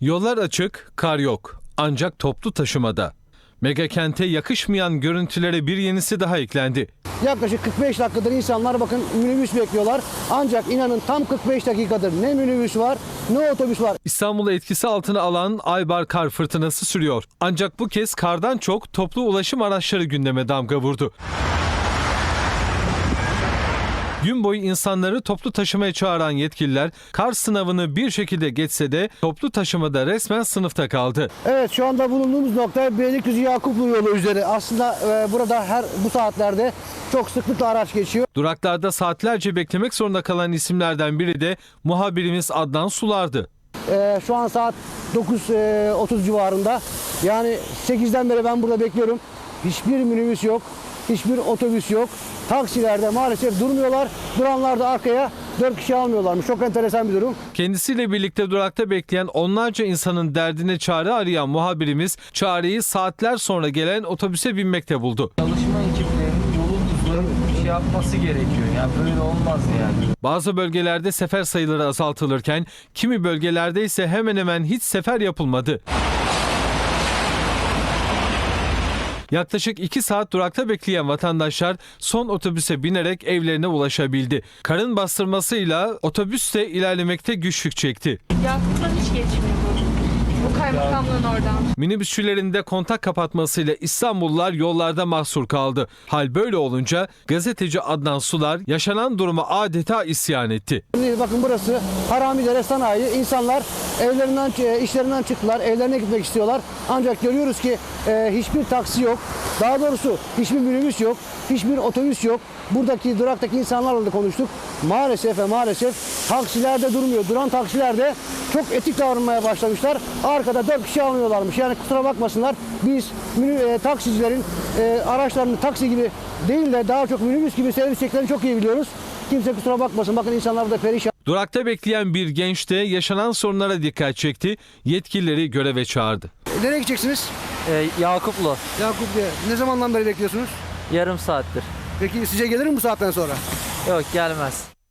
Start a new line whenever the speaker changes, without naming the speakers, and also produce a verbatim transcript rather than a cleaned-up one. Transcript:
Yollar açık, kar yok. Ancak toplu taşımada. Mega kente yakışmayan görüntülere bir yenisi daha eklendi.
Yaklaşık kırk beş dakikadır insanlar bakın minibüs bekliyorlar. Ancak inanın tam kırk beş dakikadır ne minibüs var ne otobüs var.
İstanbul'u etkisi altına alan Aybar kar fırtınası sürüyor. Ancak bu kez kardan çok toplu ulaşım araçları gündeme damga vurdu. Gün boyu insanları toplu taşımaya çağıran yetkililer kar sınavını bir şekilde geçse de toplu taşımada resmen sınıfta kaldı.
Evet, şu anda bulunduğumuz nokta Beylikdüzü Yakuplu yolu üzeri. Aslında e, burada her bu saatlerde çok sıklıkla araç geçiyor.
Duraklarda saatlerce beklemek zorunda kalan isimlerden biri de muhabirimiz Adnan Sular'dı.
E, şu an saat dokuz otuz civarında. Yani sekizden beri ben burada bekliyorum. Hiçbir minibüs yok. Hiçbir otobüs yok. Taksilerde maalesef durmuyorlar. Duranlar da arkaya dört kişi almıyorlarmış. Çok enteresan bir durum.
Kendisiyle birlikte durakta bekleyen onlarca insanın derdine çare arayan muhabirimiz çareyi saatler sonra gelen otobüse binmekte buldu.
Çalışma ekiplerinin yolu düzgün bir şey yapması gerekiyor. Yani böyle olmaz yani.
Bazı bölgelerde sefer sayıları azaltılırken kimi bölgelerde ise hemen hemen hiç sefer yapılmadı. Yaklaşık iki saat durakta bekleyen vatandaşlar son otobüse binerek evlerine ulaşabildi. Karın bastırmasıyla otobüs de ilerlemekte güçlük çekti.
Yakup'tan hiç geçmiyor bu. Bu kaymakamlığın oradan.
Minibüsçülerin de kontak kapatmasıyla İstanbullular yollarda mahsur kaldı. Hal böyle olunca gazeteci Adnan Sular yaşanan duruma adeta isyan etti.
Bakın burası Haramidere Sanayi. İnsanlar evlerinden, işlerinden çıktılar. Evlerine gitmek istiyorlar. Ancak görüyoruz ki e, hiçbir taksi yok. Daha doğrusu hiçbir minibüs yok. Hiçbir otobüs yok. Buradaki duraktaki insanlarla da konuştuk. Maalesef ve maalesef taksilerde durmuyor. Duran taksilerde çok etik davranmaya başlamışlar. Arkada dört kişi almıyorlarmış. Yani kusura bakmasınlar. Biz e, taksicilerin e, araçlarını taksi gibi değil de daha çok minibüs gibi servis edeceklerini çok iyi biliyoruz. Kimse kusura bakmasın. Bakın insanlar burada perişan.
Durakta bekleyen bir genç de yaşanan sorunlara dikkat çekti. Yetkilileri göreve çağırdı.
Nereye gideceksiniz?
Ee, Yakuplu.
Yakup Bey, ne zamandan beri bekliyorsunuz?
Yarım saattir.
Peki sizce gelir mi bu saatten sonra?
Yok, gelmez.